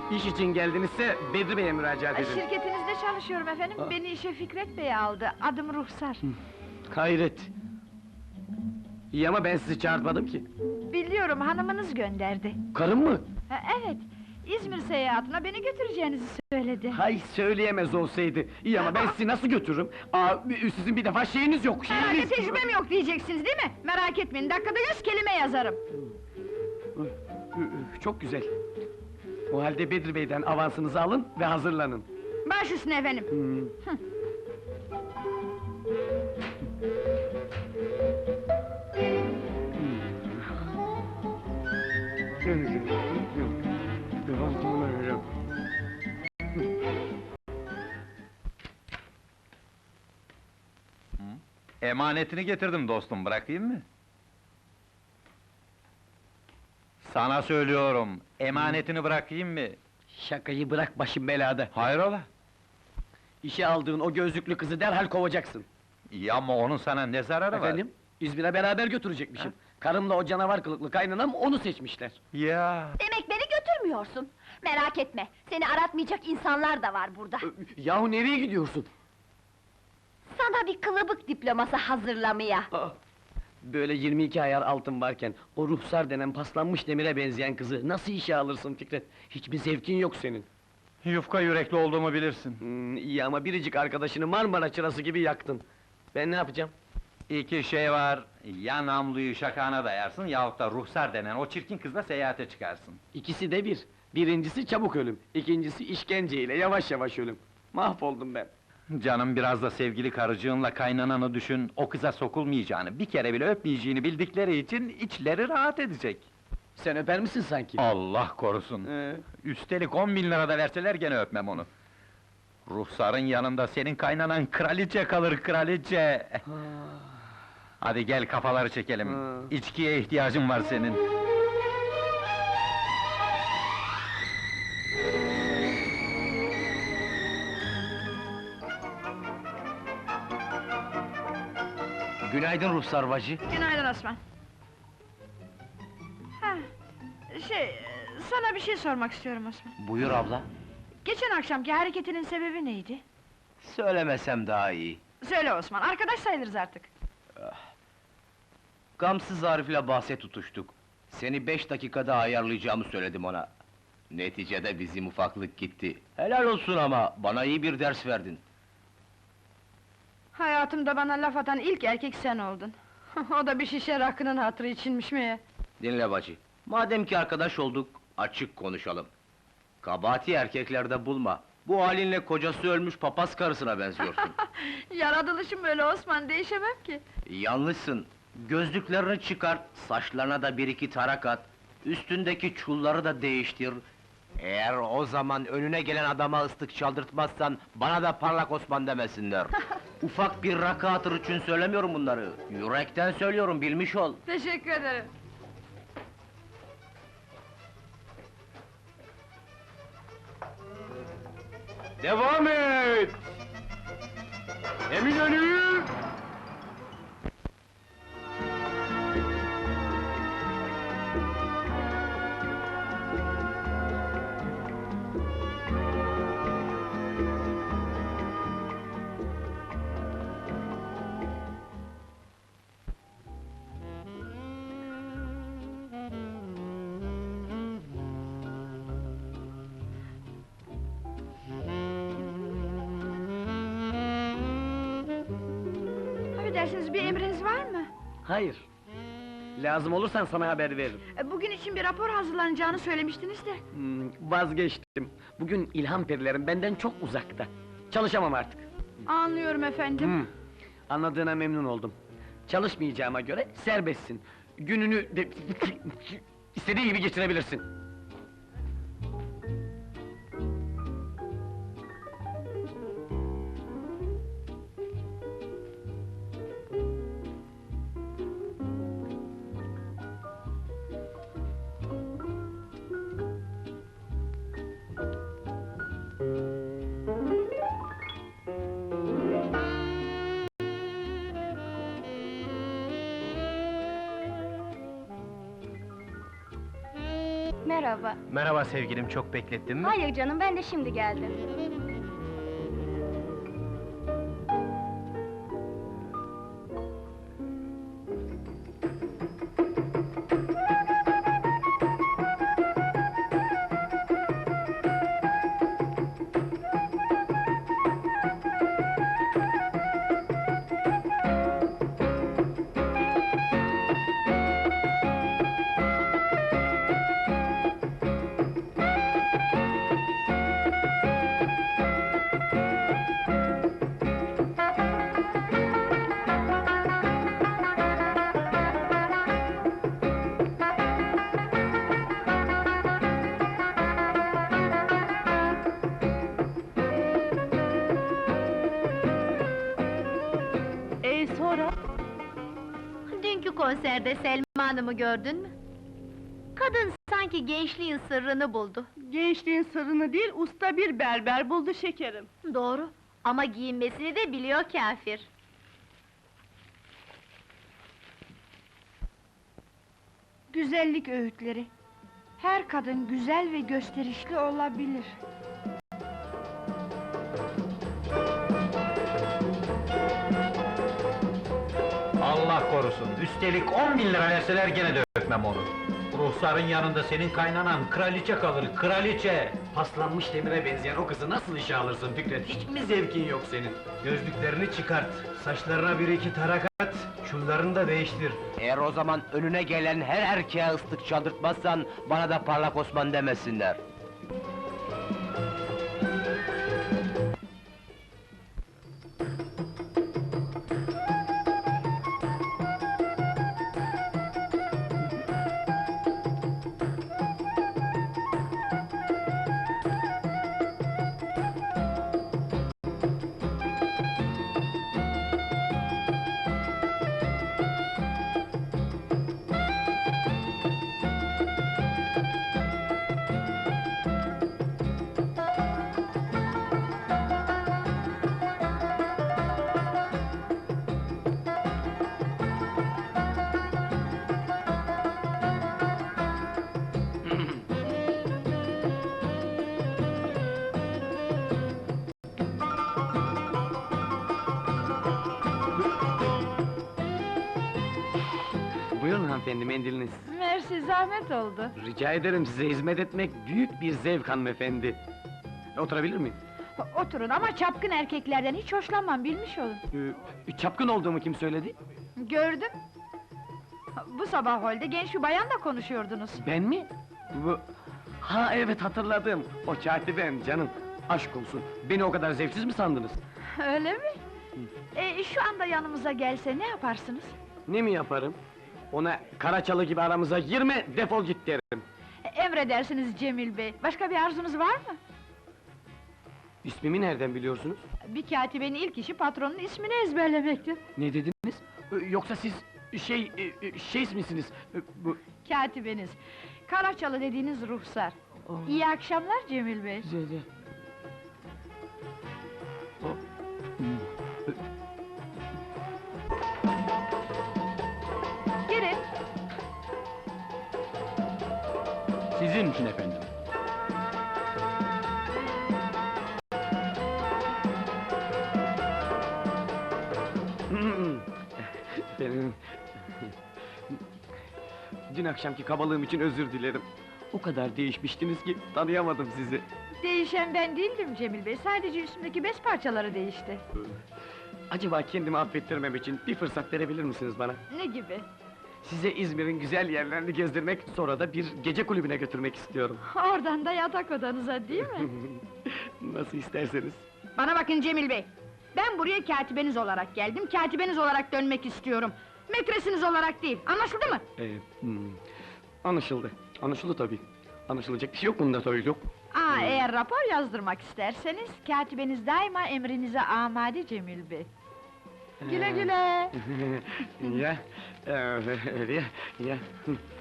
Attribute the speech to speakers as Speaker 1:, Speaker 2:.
Speaker 1: İş için geldinizse Bedri Bey'e müracaat edin.
Speaker 2: Şirketinizde çalışıyorum efendim. Beni işe Fikret Bey aldı. Adım Ruhsar.
Speaker 1: Hayret! İyi ama ben sizi çağırtmadım ki.
Speaker 2: Biliyorum, hanımınız gönderdi.
Speaker 1: Karım mı?
Speaker 2: Evet, İzmir seyahatine beni götüreceğinizi söyledi.
Speaker 1: Hay söyleyemez olsaydı. İyi ama ben sizi nasıl götürürüm? Sizin bir defa şeyiniz yok,
Speaker 2: Herhalde
Speaker 1: şeyiniz!
Speaker 2: tecrübem yok diyeceksiniz değil mi? Merak etmeyin, dakikada 100 kelime yazarım.
Speaker 1: Çok güzel. O halde Bedri Bey'den avansınızı alın ve hazırlanın.
Speaker 2: Baş üstüne efendim.
Speaker 3: Emanetini getirdim dostum, bırakayım mı? Sana söylüyorum, emanetini bırakayım mı?
Speaker 1: Şakayı bırak, başım belada.
Speaker 3: Hayrola?
Speaker 1: İşe aldığın o gözlüklü kızı derhal kovacaksın.
Speaker 3: İyi ama onun sana ne zararı var?
Speaker 1: Efendim? İzmir'e beraber götürecekmişim. Karımla o canavar kılıklı kaynanam onu seçmişler.
Speaker 3: Ya!
Speaker 4: Demek beni götürmüyorsun. Merak etme, seni aratmayacak insanlar da var burada.
Speaker 1: Yahu nereye gidiyorsun?
Speaker 4: Sana bir kılıbık diploması hazırlamaya.
Speaker 1: Böyle 22 ayar altın varken, o ruhsar denen paslanmış demire benzeyen kızı nasıl işe alırsın Fikret? Hiçbir zevkin yok senin.
Speaker 3: Yufka yürekli olduğumu bilirsin.
Speaker 1: İyi ama biricik arkadaşını Marmara çırası gibi yaktın. Ben ne yapacağım?
Speaker 3: İki şey var, ya namluyu şakağına dayarsın yahut da ruhsar denen o çirkin kızla seyahate çıkarsın.
Speaker 1: İkisi de bir. Birincisi çabuk ölüm, ikincisi işkenceyle yavaş yavaş ölüm. Mahvoldum ben.
Speaker 3: Canım biraz da sevgili karıcığınla kaynananı düşün, o kıza sokulmayacağını, bir kere bile öpmeyeceğini bildikleri için içleri rahat edecek.
Speaker 1: Sen öper misin sanki?
Speaker 3: Allah korusun! Üstelik 10.000 lira da verseler gene öpmem onu. Ruhsarın yanında senin kaynanan kraliçe kalır, kraliçe! Hadi gel kafaları çekelim, içkiye ihtiyacın var senin.
Speaker 1: Günaydın ruhsar bacı.
Speaker 2: Günaydın Osman. Ha, sana bir şey sormak istiyorum Osman.
Speaker 5: Buyur abla.
Speaker 2: Geçen akşamki hareketinin sebebi neydi?
Speaker 5: Söylemesem daha iyi.
Speaker 2: Söyle Osman, arkadaş sayılırız artık.
Speaker 5: Gamsız Arif'le bahse tutuştuk. Seni 5 dakikada ayarlayacağımı söyledim ona. Neticede bizim ufaklık gitti. Helal olsun ama, bana iyi bir ders verdin.
Speaker 2: Hayatımda bana laf atan ilk erkek sen oldun. O da bir şişe rakının hatırı içinmiş mi?
Speaker 5: Dinle bacı, madem ki arkadaş olduk, açık konuşalım. Kabahati erkeklerde bulma. Bu halinle kocası ölmüş papaz karısına benziyorsun.
Speaker 2: Yaratılışım böyle Osman, değişemem ki.
Speaker 5: Yanlışsın. Gözlüklerini çıkart, saçlarına da bir iki tarak at, üstündeki çulları da değiştir. Eğer o zaman önüne gelen adama ıslık çaldırtmazsan, bana da parlak Osman demesinler. Ufak bir rakı hatırı için söylemiyorum bunları. Yürekten söylüyorum, bilmiş ol.
Speaker 2: Teşekkür ederim.
Speaker 1: Devam et! Eminönü!
Speaker 2: Affedersiniz, bir emriniz var mı?
Speaker 1: Hayır. Lazım olursan sana haber veririm.
Speaker 2: Bugün için bir rapor hazırlanacağını söylemiştiniz de.
Speaker 1: Vazgeçtim. Bugün ilham perilerim benden çok uzakta. Çalışamam artık.
Speaker 2: Anlıyorum efendim.
Speaker 1: Anladığına memnun oldum. Çalışmayacağıma göre serbestsin. Gününü de istediğin gibi geçirebilirsin.
Speaker 6: Merhaba.
Speaker 5: Merhaba sevgilim, çok beklettin mi?
Speaker 6: Hayır canım, ben de şimdi geldim.
Speaker 2: Sonra?
Speaker 4: Dünkü konserde Selma Hanım'ı gördün mü? Kadın sanki gençliğin sırrını buldu.
Speaker 2: Gençliğin sırrını değil, usta bir berber buldu şekerim.
Speaker 4: Doğru, ama giyinmesini de biliyor kâfir.
Speaker 2: Güzellik öğütleri. Her kadın güzel ve gösterişli olabilir.
Speaker 3: Allah korusun, üstelik 10.000 lira verseler gene de öpmem onu. Ruhsarın yanında senin kaynanan kraliçe kalır, kraliçe!
Speaker 1: Paslanmış demire benzeyen o kızı nasıl işe alırsın Fikret? Hiç mi zevkin yok senin?
Speaker 5: Gözlüklerini çıkart, saçlarına bir iki tarak at, çullarını da değiştir. Eğer o zaman önüne gelen her erkeğe ıslık çaldırtmazsan, bana da parlak Osman demesinler.
Speaker 1: Buyurun hanımefendi, mendiliniz.
Speaker 2: Mersi, zahmet oldu.
Speaker 1: Rica ederim, size hizmet etmek büyük bir zevk hanımefendi. Oturabilir miyim?
Speaker 2: Oturun ama çapkın erkeklerden hiç hoşlanmam, bilmiş olun.
Speaker 1: Çapkın olduğumu kim söyledi?
Speaker 2: Gördüm. Bu sabah holde genç bir bayanla konuşuyordunuz.
Speaker 1: Ben mi? Bu... Ha evet, hatırladım. O katibem canım. Aşk olsun, beni o kadar zevksiz mi sandınız?
Speaker 2: Öyle mi? Şu anda yanımıza gelse ne yaparsınız?
Speaker 1: Ne mi yaparım? Ona Karaçalı gibi aramıza girme, defol git derim.
Speaker 2: Emredersiniz Cemil Bey. Başka bir arzunuz var mı?
Speaker 1: İsmimi nereden biliyorsunuz?
Speaker 2: Bir katibenin ilk işi patronun ismini ezberlemektir.
Speaker 1: Ne dediniz? Yoksa siz şey misiniz? Bu...
Speaker 2: Katibeniz. Karaçalı dediğiniz ruhsar. İyi akşamlar Cemil Bey.
Speaker 1: Zede.
Speaker 2: Girin.
Speaker 3: Sizin için efendim.
Speaker 1: Benim... Dün akşamki kabalığım için özür dilerim. O kadar değişmiştiniz ki tanıyamadım sizi.
Speaker 2: Değişen ben değildim Cemil Bey. Sadece üstümdeki bez parçaları değişti.
Speaker 1: Acaba kendimi affettirmem için bir fırsat verebilir misiniz bana?
Speaker 2: Ne gibi?
Speaker 1: Size İzmir'in güzel yerlerini gezdirmek, sonra da bir gece kulübüne götürmek istiyorum.
Speaker 2: Oradan da yatak odanıza değil mi?
Speaker 1: Nasıl isterseniz.
Speaker 2: Bana bakın Cemil Bey! Ben buraya katibeniz olarak geldim, katibeniz olarak dönmek istiyorum! Metresiniz olarak değil, anlaşıldı mı?
Speaker 1: Anlaşıldı. Anlaşıldı tabii. Anlaşılacak bir şey yok bunda tabii, yok.
Speaker 2: Eğer rapor yazdırmak isterseniz, katibeniz daima emrinize amade Cemil Bey. Güle güle!
Speaker 1: Ya, öyle ya, ya.